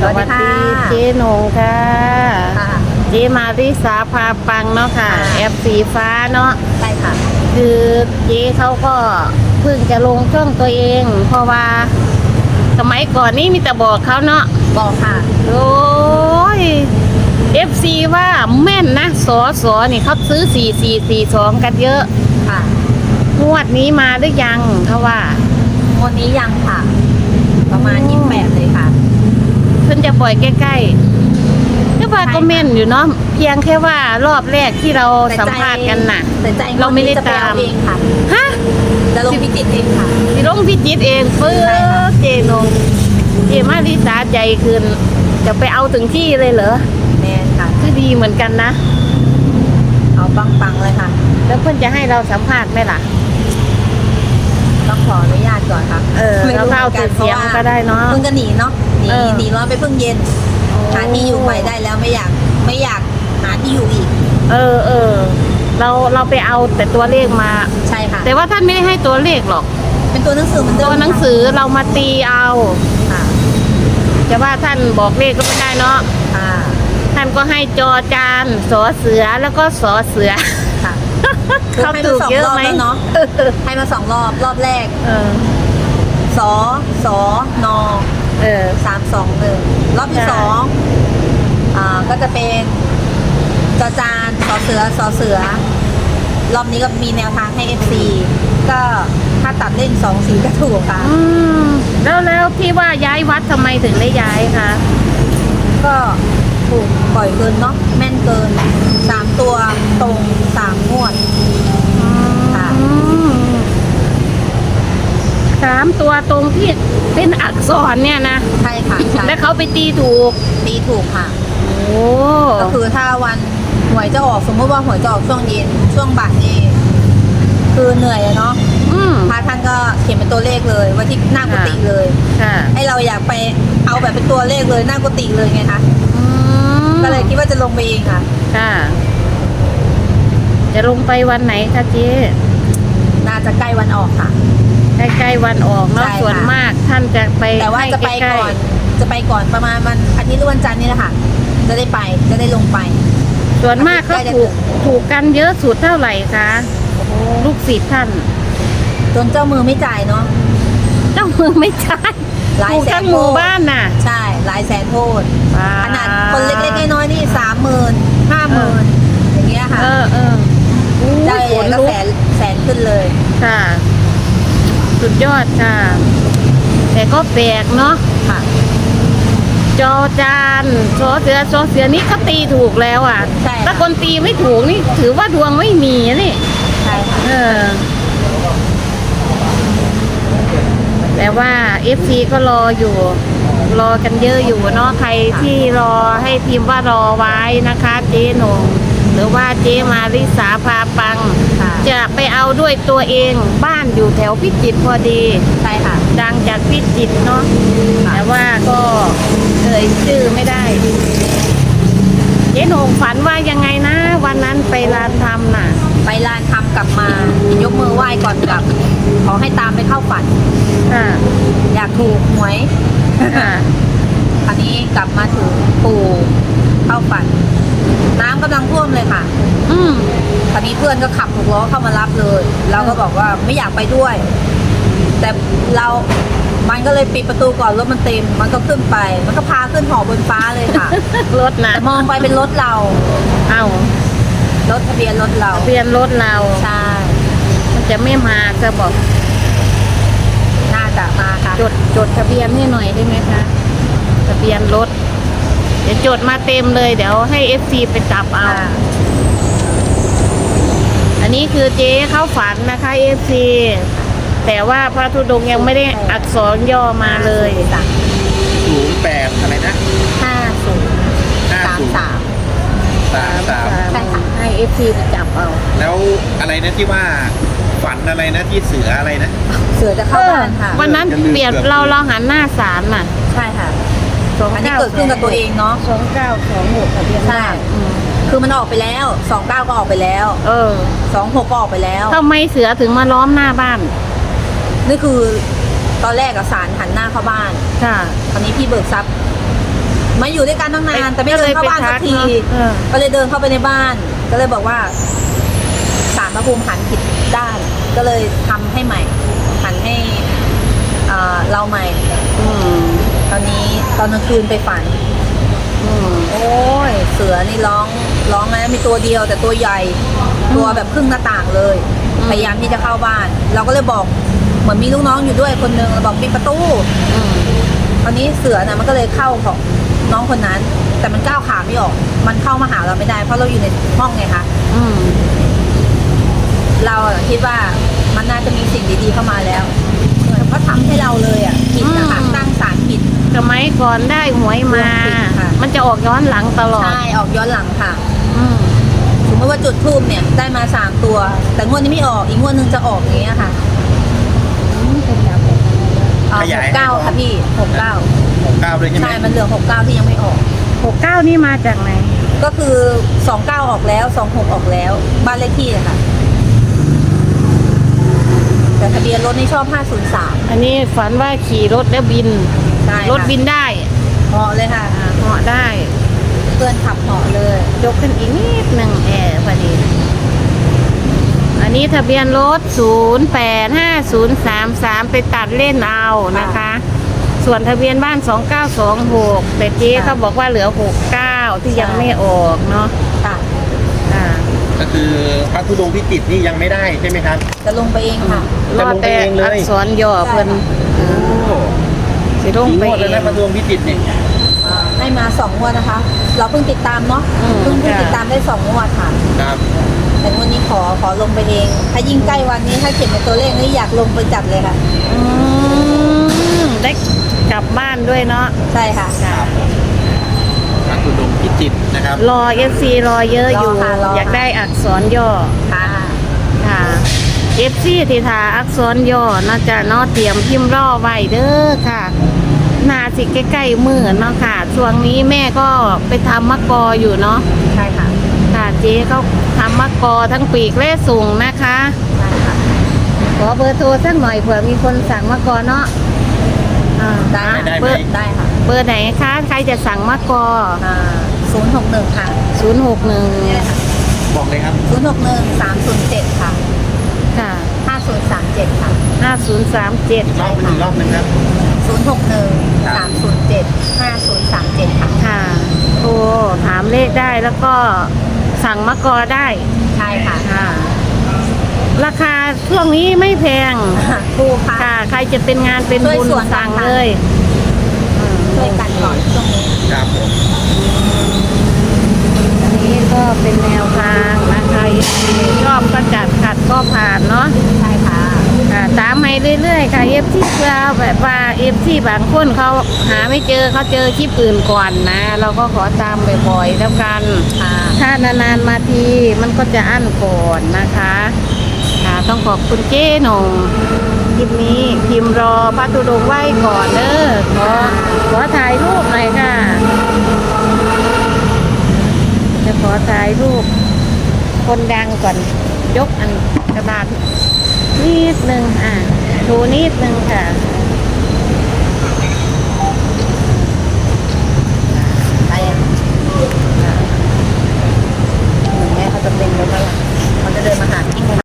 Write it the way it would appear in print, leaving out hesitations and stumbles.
สวัสดีเจ๊หนงค่ะเจ๊มาริสาพาปังเนาะค่ะแอปสีฟ้าเนาะใช่ค่ะคือเจ๊เขาก็เพิ่งจะลงช่องตัวเองเพราะว่าสมัยก่อนนี่มีแต่บอกเขาเนาะบอกค่ะโอ้ย FC ว่าแม่นนะสอนี่เขาซื้อ4442กันเยอะค่ะงวดนี้มาหรือยังเขาว่างวดนี้ยังค่ะประมาณ28เลยค่ะเพิ่นจะปล่อยใกล้ๆก็ว่าก็แม่นอยู่เนาะเพียงแค่ว่ารอบแรกที่เราสัมภาษณ์กันน่ะเราไม่ได้ตามเองค่ะฮะจะลงพิจิตรเองค่ะลงพิจิตรเองเพื่อเจนงเจมาริสาใจคืนจะไปเอาถึงที่เลยเหรอแม่ค่ะคือดีเหมือนกันนะเอาปังๆเลยค่ะแล้วเพื่อนจะให้เราสัมภาษณ์ไหมล่ะต้องขออนุญาตก่อนค่ะเราเข้าติดเสียงก็ได้เนาะเพิ่งจะหนีเนาะหนีร้อนไปเพิ่งเย็นหาที่อยู่ใหม่ได้แล้วไม่อยากหาที่อยู่อีกเราไปเอาแต่ตัวเลขมาใช่ค่ะแต่ว่าท่านไม่ได้ให้ตัวเลขหรอกเป็นตัวหนังสือเหมือนเดิมตัวหนังสือเรามาตีเอาค่ะจะว่าท่านบอกเลขก็ไม่ได้เนาะท่านก็ให้จอจานสอเสือแล้วก็สอเสือค่ะเขาถูกเยอะไหมเนาะให้มา2 รอบแรกสน321รอบที่2ก็จะเป็นจอจานสอเสือรอบนี้ก็มีแนวทางให้ FC ก็ถ้าตัดเล่น2 สีก็ถูกค่ะแล้วพี่ว่าย้ายวัดทำไมถึงได้ย้ายคะก็ถูกปล่อยเกินเนาะแม่นเกิน3 ตัวตรง3 งวดค่ะ 3 ตัวตรงที่เป็นอักษรเนี่ยนะใช่ค่ะแล้วเขาไปตีถูกค่ะโอ้ก็คือถ้าวันหวยจะออกสมมติว่าหวยจะออกช่วงเย็นช่วงบ่ายนี่คือเหนื่อยเนาะพระท่านก็เขียนเป็นตัวเลขเลยไว้ที่หน้ากุฏิเลยให้เราอยากไปเอาแบบเป็นตัวเลขเลยหน้ากุฏิเลยไงคะก็เลยคิดว่าจะลงไปเองค่ะจะลงไปวันไหนคะเจ๊น่าจะใกล้วันออกค่ะใกล้วันออกเนาะส่วนมากท่านจะไปแต่ว่าจะไปก่อนประมาณวันอาทิตย์หรือวันจันทร์นี่แหละค่ะจะได้ลงไปส่วนมากเขาถูกกันเยอะสุดเท่าไหร่คะลูกศิษย์ท่านจนเจ้ามือไม่จ่ายเนาะเจ้ามือไม่จ่ายถูกทั้งหมู่บ้านน่ะใช่หลายแสนโทษขนาดคนเล็กๆน้อยๆนี่30,000 50,000อย่างเงี้ยค่ะได้ก็แสนขึ้นเลยค่ะสุดยอดค่ะแต่ก็แปลกเนาะค่ะจอจานโซเสือนี่เขาตีถูกแล้วอ่ะถ้าคนตีไม่ถูกนี่ถือว่าดวงไม่มีนี่ใช่ค่ะแต่ว่า FC ก็รอกันเยอะอยู่เนาะใครที่รอให้พิมพ์ว่ารอไว้นะคะเจ๊หนงหรือว่าเจ๊มาริสาพาปังจะไปเอาด้วยตัวเองบ้านอยู่แถวพิจิตรพอดีใช่ค่ะดังจากพิจิตรเนาะแต่ว่าก็ชื่อไม่ได้เจ๊หนงฝันว่ายังไงนะวันนั้นไปลานธรรมน่ะไปลานธรรมกลับมายกมือไหว้ก่อนกลับขอให้ตามไปเข้าฝันอยากถูกหวยอันนี้กลับมาถึงปู่เข้าฝันน้ำกำลังท่วมเลยค่ะคราวนี้เพื่อนก็ขับ6 ล้อเข้ามารับเลยเราก็บอกว่าไม่อยากไปด้วยแต่มันก็เลยปิดประตูก่อนรถมันเต็มมันก็ขึ้นไปมันก็พาขึ้นหอบนฟ้าเลยค่ะรถนะมองไปเป็นรถเรารถทะเบียนรถเราใช่มันจะไม่มาจะบอกน่าจะมาค่ะจดทะเบียนให้หน่อยได้ไหมคะทะเบียนรถเดี๋ยวจดมาเต็มเลยเดี๋ยวให้ FC ไปจับเอาอันนี้คือเจ๊เข้าฝันนะคะ FC แต่ว่าพระธุดงค์ยังไม่ได้อักษรย่อมาเลย 08อะไรนะ 5033 ใช่ค่ะให้ FC ไปจับเอาแล้วอะไรนะที่ว่าฝันอะไรนะที่เสืออะไรนะเสือจะเข้าบ้านค่ะวันนั้นเปลี่ยนเราหันหน้าศาลน่ะใช่ค่ะอันนี้เกิดขึ้นกับตัวเองเนาะ 2926ทะเบียนใช่คือมันออกไปแล้ว29ก็ออกไปแล้ว26ก็ออกไปแล้วทำไมเสือถึงมาล้อมหน้าบ้านนี่คือตอนแรกศาลหันหน้าเข้าบ้านค่ะตอนนี้พี่เบิกทรัพย์มาอยู่ด้วยกันตั้งนานแต่ไม่เดินเข้าบ้านสักทีเออก็เลยเดินเข้าไปในบ้าน ก็เลยบอกว่าศาลพระภูมิหันผิดด้าน ก็เลยทำให้ใหม่ หันให้เราใหม่อืมตอนนี้ตอนกลางคืนไปฝันอืมโอ้ยเสือนี่ร้องนะมีตัวเดียวแต่ตัวใหญ่ ตัวแบบครึ่งหน้าต่างเลยอืมพยายามที่จะเข้าบ้าน เราก็เลยบอกเหมือนมีลูกน้องอยู่ด้วยคนนึงเราบอกปิดประตูอืมตอนนี้เสือนะมันก็เลยเข้าของน้องคนนั้น แต่มันก้าวขาไม่ออก มันเข้ามาหาเราไม่ได้เพราะเราอยู่ในห้องไงคะอืมเราคิดว่ามันน่าจะมีสิ่งดีๆเข้ามาแล้วเหมือนเขาทำให้เราเลยอ่ะผิดนะคะตั้งศาลผิดสมัยก่อนได้หวยมาค่ะมันจะออกย้อนหลังตลอดใช่ออกย้อนหลังค่ะอืมสมมติว่าจุดทูบเนี่ยได้มา3ตัว แต่งวดนี้ไม่ออกอีกงวดนึงจะออกอย่างเงี้ยค่ะขยาย 69ค่ะพี่69 69ด้วยใช่ไหมใช่มันเหลือ69ที่ยังไม่ออก 69นี่มาจากไหนก็คือ29ออกแล้ว26ออกแล้ว บ้านเลขที่อะค่ะ แต่ทะเบียนรถนี่ชอบ503 อันนี้ฝันว่าขี่รถแล้วบินใช่ค่ะรถบินได้เหาะเลยค่ะเหาะได้เพื่อนขับเหาะเลยยกขึ้นอีกนิดหนึ่งพอดี อันนี้ทะเบียนรถ 085033 ไปตัดเล่นเอานะคะ ส่วนทะเบียนบ้าน 2926 แต่เจ๊เขาบอกว่าเหลือ 69 ที่ยังไม่ออกเนาะค่ะอ่าก็คือพระธุดงค์พิจิตรนี่ยังไม่ได้ใช่ไหมครับจะลงไปเองค่ะรอแต่อักษรย่อเพิ่นโอ้สิลงกี่ไปงวดเอแล้วนะงพระธุดงค์พิจิตรเนี่ยให้มา2งวดนะคะ เราเพิ่งติดตามเนาะอืมเพิ่งค่ะติดตามได้2งวดค่ะครับแต่งวดนี้ขอลงไปเอง ถ้ายิ่งใกล้วันนี้ถ้าเขียนเป็นตัวเลขนี่อยากลงไปจัดเลยค่ะอืมได้กลับบ้านด้วยเนาะใช่ค่ะพระธุดงค์พิจิตรนะครับรอ FC รอเยอะอยู่รอค่ะรอค่ะอยากได้อักษรย่อค่ะค่ะ FC ที่ทาอักษรย่อน่าจะเนาะเตรียมพิมพ์รอไว้เด้อค่ะนาสิใกล้ๆมือเนาะค่ะ ช่วงนี้แม่ก็ไปทำมะกออยู่เนาะใช่ค่ะค่ะเจ๊เขาทำมะกอทั้งปีกและสูงนะคะใช่ค่ะขอเบอร์โทรสักหน่อยเผื่อมีคนสั่งมะกอเนาะอ่าได้ค่ะได้ไหมเบอร์ได้ค่ะเบอร์ไหนคะ ใครจะสั่งมะกอ 061ค่ะ 061 บอกเลยครับ 061 307 ค่ะค่ะ 5037 ค่ะ 5037 รอบเป็นอีกรอบนึงครับ 061 307 5037 ค่ะค่ะโทรถามเลขได้แล้วก็สั่งมะกอได้ใช่ค่ะค่ะ ราคาช่วงนี้ไม่แพงถูกค่ะค่ะ ใครจะเป็นงานเป็นบุญช่วยส่วนสั่งต่างๆเลยช่วยกันก่อนช่วงนี้ครับผมอันนี้ก็เป็นแนวทางนะคะชอบก็จัดขัดก็ผ่านเนาะใช่ค่ะค่ะตามให้เรื่อยๆค่ะเอฟที่เพื่อแบบว่าเอฟที่บางคนเขาหาไม่เจอเขาเจอคลิปอื่นก่อนนะ เราก็ขอตามบ่อยๆแล้วกันค่ะถ้านานๆมาทีมันก็จะอั้นก่อนนะคะค่ะต้องขอบคุณเจ๊หนงคลิปนี้พิมพ์รอพระธุดงค์ไหว้ก่อนเด้อขอถ่ายรูปหน่อยค่ะ จะขอถ่ายรูปคนดังก่อนยกอันกระดาษนิดนึงดูนิดนึงค่ะ